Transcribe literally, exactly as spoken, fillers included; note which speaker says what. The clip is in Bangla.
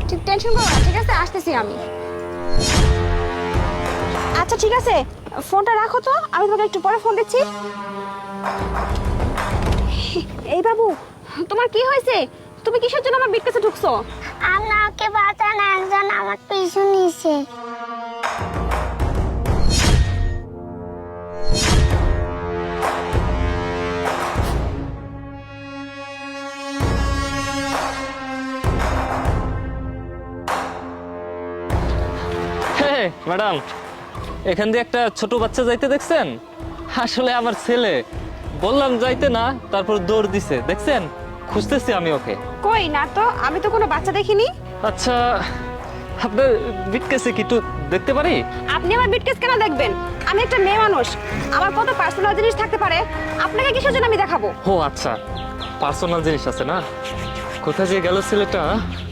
Speaker 1: ঠিক টেনশন করো না, ঠিক আছে, আসতেছি আমি। আচ্ছা ঠিক আছে, ফোনটা রাখো তো, আমি তোমাকে একটু পরে ফোন দিচ্ছি। এই বাবু, তোমার কি হয়েছে? তুমি কিসের জন্য আমার বিট কাছে ঢুকছো?
Speaker 2: আমাকে বাঁচান, একজন আমার পিছু নিছে।
Speaker 3: হ্যাঁ ম্যাডাম, এখান দিয়ে একটা ছোট বাচ্চা যাইতে দেখছেন? আসলে আমার ছেলে, বললাম যাইতে না, তারপর দৌড় দিছে, দেখছেন? খুঁজতেছি আমি ওকে।
Speaker 1: কই না তো, আমি তো কোনো বাচ্চা দেখিনি।
Speaker 3: আচ্ছা, আপনার বিটকেসে কি একটু দেখতে পারি?
Speaker 1: আপনি আমার বিটকেস কেন দেখবেন? আমি একটা মেয়ে মানুষ, আমার কত পার্সোনাল জিনিস থাকতে পারে, আপনাকে কিসের জন্য আমি দেখাবো?
Speaker 3: ও আচ্ছা, পার্সোনাল জিনিস আছে না? কোথায় যে গেল ছেলেটা?